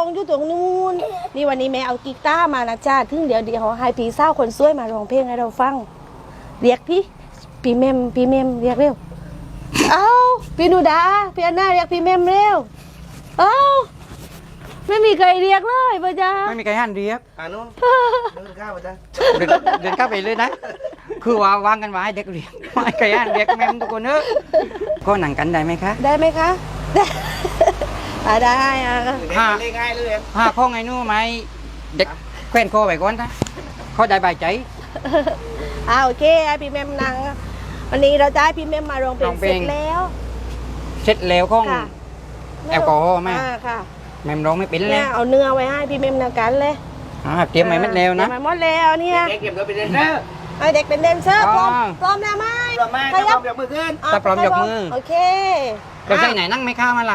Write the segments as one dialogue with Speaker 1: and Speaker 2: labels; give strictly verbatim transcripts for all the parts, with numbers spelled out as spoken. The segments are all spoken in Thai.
Speaker 1: งอยู่ตรงนู้นนี่วันนี้แม่เอากีตาร์มานะจ้าถึงเดี๋ยวเดี๋ยวให้พี่สาวคนสวยมาร้องเพลงให้เราฟังเรียกพี่พี่เมมพี่เมมเรียกเร็วเอาพี่นูดาพี่อันน่าเรียกพี่เมมเร็วเอาไม่มีใครเรียกเลยป่ะจ๊ะ
Speaker 2: ไม่มีใครหันเรียก
Speaker 3: อ่านู้นเดินข้าวป่ะจ๊ะ
Speaker 2: เดินเดินเข้าไปเลยนะคือว่าวางกันไว้เด็กเรียกไม่ใครหันเรียกแม่ทุกคนเนอะก็หนังกันได้ไหมคะ
Speaker 1: ได้ไหมคะได้อ่าได้อ่ะ
Speaker 3: ห้าง่ายเลย
Speaker 2: ห้าข้อไงนู้ไหมเด็กแขวนคอไปก่อนนะเขาได้ใบใจ
Speaker 1: อ่าโอเคพี่เมมนังวันนี้เราจะให้พี่เมมมาร้องเพลงเสร็จแล้ว
Speaker 2: เสร็จแล้วข้องแอลกอฮอล์แม่
Speaker 1: ค่ะ
Speaker 2: แม่ร้องไม่เป็นเลย
Speaker 1: เอาเนื้อไว้ให้พี่เมมนังกันเลย
Speaker 2: เตรียมไว้หมดแล้วนะ
Speaker 1: เตรียมไว้หมดแล้วเนี่ย
Speaker 3: เด็กเก็บเราเป็นเดนเซอร์
Speaker 1: ให้เด็กเป็นเดนเซอร์พร้อมพร้อมแล้วไหม
Speaker 3: พร้อมไหมพร้อมยกมือขึ้น
Speaker 2: ถ้าพร้อมยกมือ
Speaker 1: โอเค
Speaker 2: เราใส่ไหนนั่งไม่ข้ามาล่ะ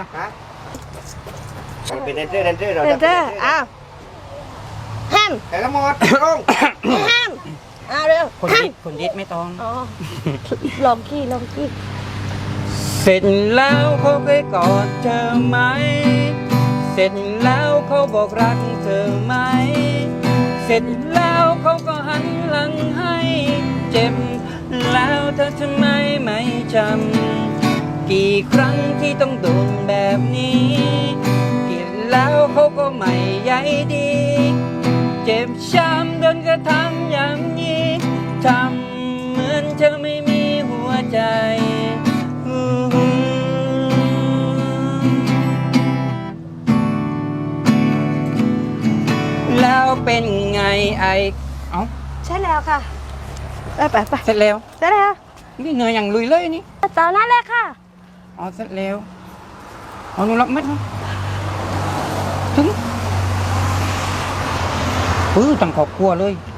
Speaker 3: เป็นเดนเซอร์เดนเซอร์เรา
Speaker 1: เดนเซอร์อ้าวห้าม
Speaker 3: แต่ละหมดลง
Speaker 1: ห้ามอ้าวเร็ว
Speaker 2: คนยิดคนยิดไม่ต้อง
Speaker 1: อ๋อลองขี้ลองขี้
Speaker 2: เสร็จแล้วเขาเคยกอดเธอไหมเสร็จแล้วเขาบอกรักเธอไหมเสร็จแล้วเขาก็หันหลังให้เจ็บแล้วเธอทำไมไม่จำกี่ครั้งที่ต้องโดนแบบนี้กี่แล้วเขาก็ไม่ใยดีเจ็บช้ำโดนกระทำอย่างนี้ทำเหมือนเธอไม่มีหัวใจแล้วเป็นไงไอเอ้า
Speaker 1: ใช่แล้วค่ะไปไปไป
Speaker 2: เสร็จแล้ว
Speaker 1: เสร็จแล้ว
Speaker 2: นี่เหนื่อยอย่างลุยเลยนี่
Speaker 1: ตอนนั้นเลยค่ะ
Speaker 2: อ๋อเสร็จแล้วอ๋อหนูรับเม็ดมั้ยถึงปื้อตั้งครอบครัวเลย